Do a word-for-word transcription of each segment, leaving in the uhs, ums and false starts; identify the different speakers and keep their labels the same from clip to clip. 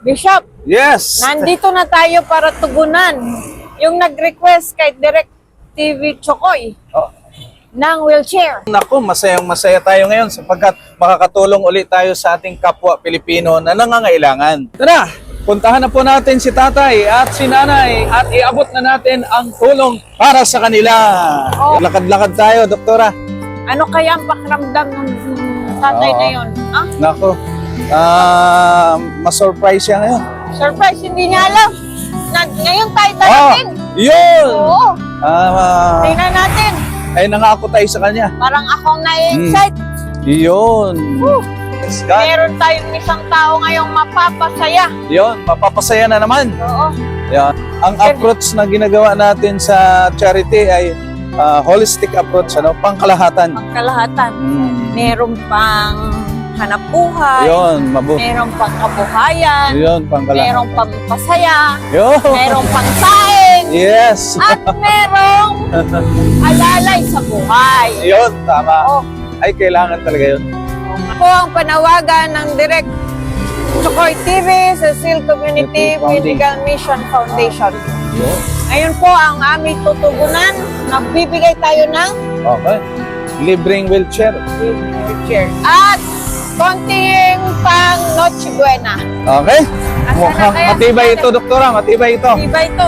Speaker 1: Bishop,
Speaker 2: Yes.
Speaker 1: nandito na tayo para tugunan yung nag-request kay Direct T V Chokoy
Speaker 2: Oh.
Speaker 1: ng wheelchair.
Speaker 2: Naku, masayang masaya tayo ngayon sapagkat makakatulong ulit tayo sa ating kapwa Pilipino na nangangailangan. Tara, puntahan na po natin si tatay at si nanay at iabot na natin ang tulong para sa kanila.
Speaker 1: Oh.
Speaker 2: Lakad-lakad tayo, doktora.
Speaker 1: Ano kaya ang pakiramdam ng tatay
Speaker 2: Oo.
Speaker 1: na yun? Ah,
Speaker 2: Naku, ah, ma-surprise siya ngayon.
Speaker 1: surprise, hindi niya alam. Na, ngayon tayo
Speaker 2: Oh,
Speaker 1: darating.
Speaker 2: yun!
Speaker 1: Oo,
Speaker 2: Ah,
Speaker 1: tingnan natin.
Speaker 2: ay nangako tayo sa kanya.
Speaker 1: Parang akong na-excite.
Speaker 2: Yun.
Speaker 1: Woo.
Speaker 2: Yes, God.
Speaker 1: Meron tayong isang tao ngayong mapapasaya.
Speaker 2: Yun, mapapasaya na naman.
Speaker 1: Oo.
Speaker 2: Yan. Ang approach na ginagawa natin sa charity ay ah, holistic approach, ano, pangkalahatan.
Speaker 1: Pangkalahatan.
Speaker 2: Mm.
Speaker 1: Meron pang hanap buhay.
Speaker 2: Yun, mabuti.
Speaker 1: Meron pang kabuhayan.
Speaker 2: Yun, pangkalahatan.
Speaker 1: Merong pampasaya.
Speaker 2: Yun.
Speaker 1: Merong pangsaing.
Speaker 2: Yes.
Speaker 1: At merong alalay sa buhay.
Speaker 2: Yun, tama.
Speaker 1: Oh,
Speaker 2: Ay, kailangan talaga yun.
Speaker 1: po ang panawagan ng Direct Chokoy T V sa Seal Community Medical Mission Foundation.
Speaker 2: Yun.
Speaker 1: Ngayon po ang aming tutugunan. Nagbibigay tayo ng
Speaker 2: Okay. Libreng wheelchair.
Speaker 1: wheelchair. At konting pang Noche Buena.
Speaker 2: Okay.
Speaker 1: Asa na
Speaker 2: Mukhang
Speaker 1: kaya
Speaker 2: matibay
Speaker 1: si
Speaker 2: ito, doktora. Matibay ito.
Speaker 1: Diba ito?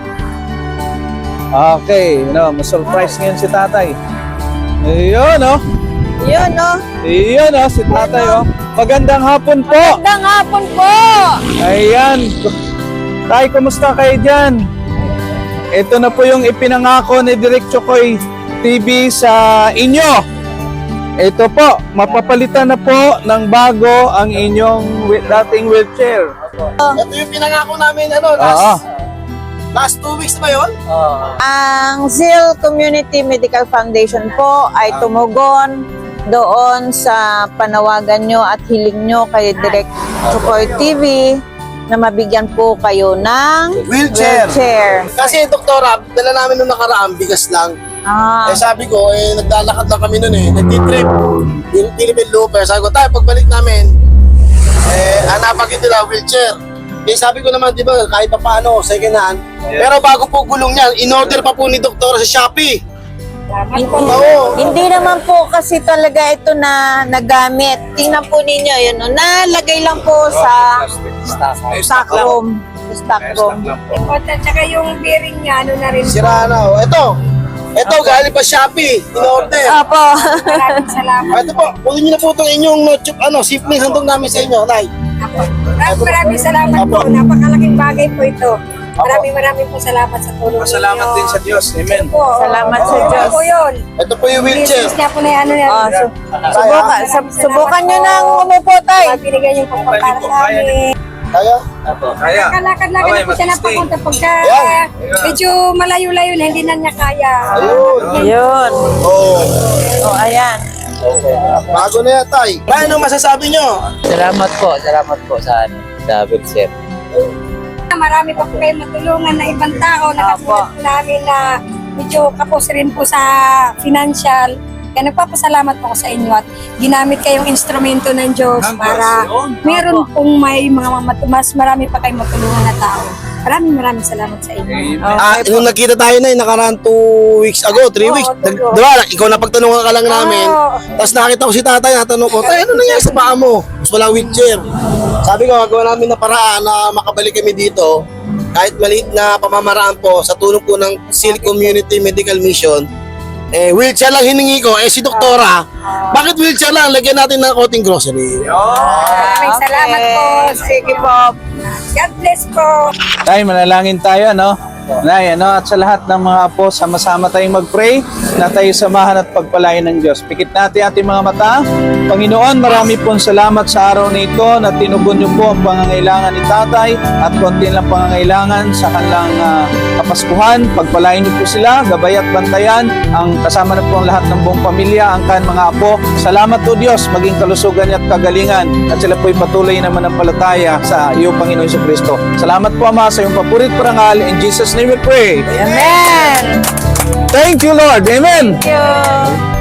Speaker 2: Okay. No, ma-surprise ngayon si tatay. Ayun, oh.
Speaker 1: Yun, no?
Speaker 2: Ayun, oh, si tatay, oh. Magandang hapon po.
Speaker 1: Magandang hapon po!
Speaker 2: Ayan. Tay, kumusta kayo dyan? Ito na po yung ipinangako ni Direct Chokoy T V sa inyo. Ito po, mapapalitan na po ng bago ang inyong wi- dating wheelchair.
Speaker 3: Ito yung pinangako namin, ano,
Speaker 2: Oo.
Speaker 3: last, last two weeks na ba yun?
Speaker 1: Ang Seal Community Medical Foundation po ay tumugon doon sa panawagan nyo at hiling nyo kay Direct Chokoy T V na mabigyan po kayo ng
Speaker 3: Wheelchair.
Speaker 1: wheelchair.
Speaker 3: Kasi, doktora, dala namin nung nakaraan, bigas lang.
Speaker 1: Ah,
Speaker 3: Eh sabi ko, eh, naglalakad lang kami nun eh, nagtitrip. Yung Philippine Looper, sabi ko, tayo, pagbalik namin, eh, hanapagin nila wheelchair. Eh sabi ko naman, di ba, kahit pa paano, second hand. Pero bago po gulong niyan, in-order pa po ni doktora sa Shopee.
Speaker 1: hindi,
Speaker 3: Oo.
Speaker 1: hindi naman po kasi talaga ito na nagamit. Tingnan po ninyo, yun, no? Nalagay lang po sa stock room. Stock room.
Speaker 4: At saka yung bearing niya, ano na rin po.
Speaker 3: Sira na, oh. Ito, ito, galing pa Shopee, in-order.
Speaker 1: Opo.
Speaker 4: Maraming salamat.
Speaker 3: Ah, ito po, kunin niyo na po itong inyong note, ano, sipling handog namin sa inyo, Nay.
Speaker 4: Maraming maraming salamat po. Napakalaking bagay po ito. Maraming maraming po salamat sa tulong
Speaker 2: Masalamat
Speaker 4: ninyo.
Speaker 2: din sa Diyos. Amen.
Speaker 4: Po.
Speaker 1: Salamat sa
Speaker 4: Oo,
Speaker 1: Diyos.
Speaker 4: po yun.
Speaker 3: Ito po yung wheelchair.
Speaker 4: Business niya po na yung ano yan.
Speaker 1: Ah, so, subukan, sub- subukan nyo nang umupo, tay.
Speaker 4: Mabinigyan yung pagpapara sa amin.
Speaker 3: Kaya?
Speaker 2: Kaya.
Speaker 4: Kalakad-lakad
Speaker 2: Okay,
Speaker 4: na po siya
Speaker 2: mag-stay.
Speaker 4: napapunta pagka
Speaker 3: Ayan.
Speaker 4: medyo malayo-layo na hindi na niya kaya.
Speaker 3: Ayun.
Speaker 1: Ayun.
Speaker 3: Oh,
Speaker 1: O, ayan.
Speaker 3: bago na yan, Tay. Tay, ano masasabi nyo?
Speaker 5: Salamat po, salamat po sa ano, sa wheelchair.
Speaker 4: Marami pa po kayo matulungan na ibang tao na katulad po namin na medyo kapos rin po sa financial. Kaya nagpapasalamat po ako sa inyo at ginamit kayong instrumento ng Diyos para meron pong may mga mat- mas marami pa kayong matulungan na tao. Maraming maraming salamat sa inyo.
Speaker 3: Ah, nung nagkita tayo na, nakaraan two weeks ago, three
Speaker 4: Oo,
Speaker 3: weeks. Nag,
Speaker 4: oo.
Speaker 3: diba, ikaw napagtanungan ka lang namin.
Speaker 4: Oo.
Speaker 3: Tapos nakita ko si tatay, natanong ko, tay, ano nangyari sa paa mo? Tapos walang wheelchair. Sabi ko, gagawa namin na paraan na makabalik kami dito. Kahit maliit na pamamaraan po, sa tulong po ng Seal Community Medical Mission, eh, wheelchair lang hiningi ko. Eh, si doktora, bakit wheelchair lang? Lagyan natin ng konting grocery.
Speaker 4: Maraming salamat po.
Speaker 1: Sige po.
Speaker 4: God bless po.
Speaker 2: Tay, manalangin tayo, no? Nay, ano, at sa lahat ng mga apo, sama-sama tayong mag-pray na tayo samahan at pagpalain ng Diyos. Pikit natin ating mga mata. Panginoon, marami pong salamat sa araw na ito na tinugon niyo po ang pangangailangan ni Tatay at konti lang pangangailangan sa kanilang uh, kapaskuhan. Pagpalain niyo po sila, gabay at bantayan ang kasama na po ang lahat ng buong pamilya, ang kan mga apo. Salamat po Diyos, maging kalusugan niya at kagalingan at sila po'y patuloy na manampalataya sa iyong Panginoon Jesucristo. Salamat po Ama sa iyong papurit parangal. In Jesus' name we pray.
Speaker 1: Amen.
Speaker 2: Thank you, Lord. Amen.
Speaker 1: Thank you.